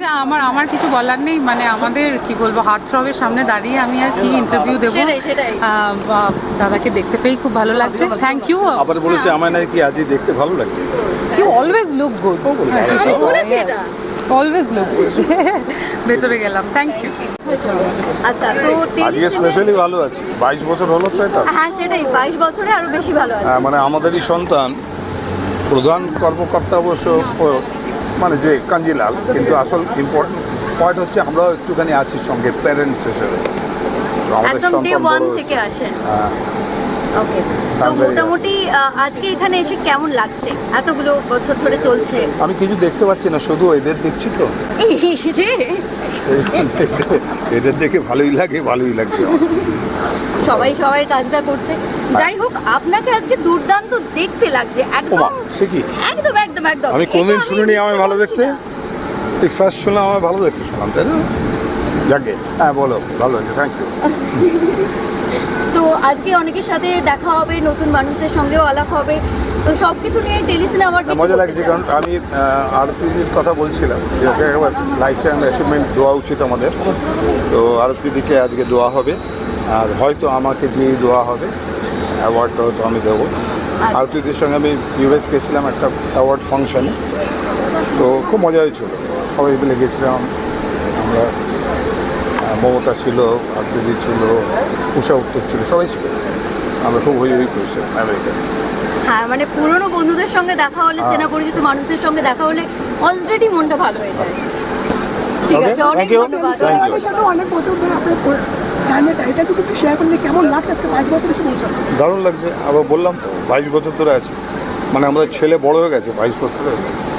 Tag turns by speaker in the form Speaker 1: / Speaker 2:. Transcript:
Speaker 1: আমার কিছু বলার নেই, মানে আমাদের কি বলবো, হাতছবের সামনে দাঁড়িয়ে আমি আর কি ইন্টারভিউ দেবো। দাদাকে দেখতে পেয়ে খুব ভালো লাগছে, থ্যাংক ইউ।
Speaker 2: আবার বলেছে আমায় নাকি আজই দেখতে ভালো লাগছে।
Speaker 1: You always look good, always look good. ভেতরে গেলাম, থ্যাংক ইউ।
Speaker 3: আচ্ছা, তো
Speaker 2: আজকে স্পেশালি ভালো আছে, 22 বছর হলো তো এটা।
Speaker 3: হ্যাঁ সেটাই, 22 বছরে আরো বেশি ভালো আছে।
Speaker 2: মানে আমাদেরই সন্তান, প্রধান কর্মকর্তা অবশ্য মানে যে কাঞ্জিলাল, কিন্তু আসল ইম্পর্টেন্ট পয়েন্ট হচ্ছে আমরাও একটুখানি আছি সঙ্গে প্যারেন্টস হিসেবে।
Speaker 3: একদম ডে ওয়ান থেকে আসেন। ওকে, তো মোটামুটি আজকে এখানে এসে কেমন লাগছে? এতগুলো বছর ধরে চলছে।
Speaker 2: আমি কিছু দেখতে পাচ্ছি না, শুধু এদের দেখছি তো। এদের দেখে ভালোই লাগছে।
Speaker 3: সবাই সবাই কাজটা করছে। যাই হোক, আপনাকে আজকে দুর্দান্ত দেখতে লাগছে একদম।
Speaker 2: সে কি?
Speaker 3: একদম একদম একদম।
Speaker 2: আমি কোনদিন শুনিনি আমায় ভালো দেখতে। তুই ফার্স্ট শুনলাম আমায় ভালো দেখতে, শুনলাম তাই না? যাকে হ্যাঁ বলো, ভালো লাগছে, থ্যাংক ইউ।
Speaker 3: তো আজকে অনেকের সাথে দেখা হবে, নতুন মানুষদের সঙ্গেও আলাপ হবে, তো সব কিছু নিয়ে টেলিসিনেমা
Speaker 2: মজা লাগছে। কারণ আমি আরতিদির কথা বলছিলাম যে ওকে একবার লাইফ টাইম অ্যাচিভমেন্ট দেওয়া উচিত আমাদের। তো আরতিদিকে আজকে দেওয়া হবে, আর হয়তো আমাকে দিয়ে দেওয়া হবে অ্যাওয়ার্ডটা, হয়তো আমি দেবো। আরতিদির সঙ্গে আমি ইউএস গেছিলাম একটা অ্যাওয়ার্ড ফাংশনে, তো খুব মজা হয়েছিল। সবাই মিলে গেছিলাম আমরা, মমতা ছিল, আরতিদি ছিল, উষা উত্তর ছিল, সবাই ছিল। আমরা খুব হই করেছিলাম আমেরিকায়।
Speaker 3: হ্যাঁ, মানে পুরনো বন্ধুদের সঙ্গে দেখা হলে, চেনা পরিচিত মানুষদের সঙ্গে দেখা হলে অলরেডি মনটা ভালো হয়ে যায়। ঠিক আছে, অনেক ধন্যবাদ।
Speaker 4: আমাদের সাথে অনেক বছর ধরে আপনার জার্নিটা, এটা যদি একটু শেয়ার করলে কেমন লাগছে আজকে 22 বছর এসে পৌঁছানো?
Speaker 2: দারুণ লাগছে। আবার বললাম তো 22 বছর ধরে আছে, মানে আমাদের ছেলে বড় হয়ে গেছে 22 বছরে।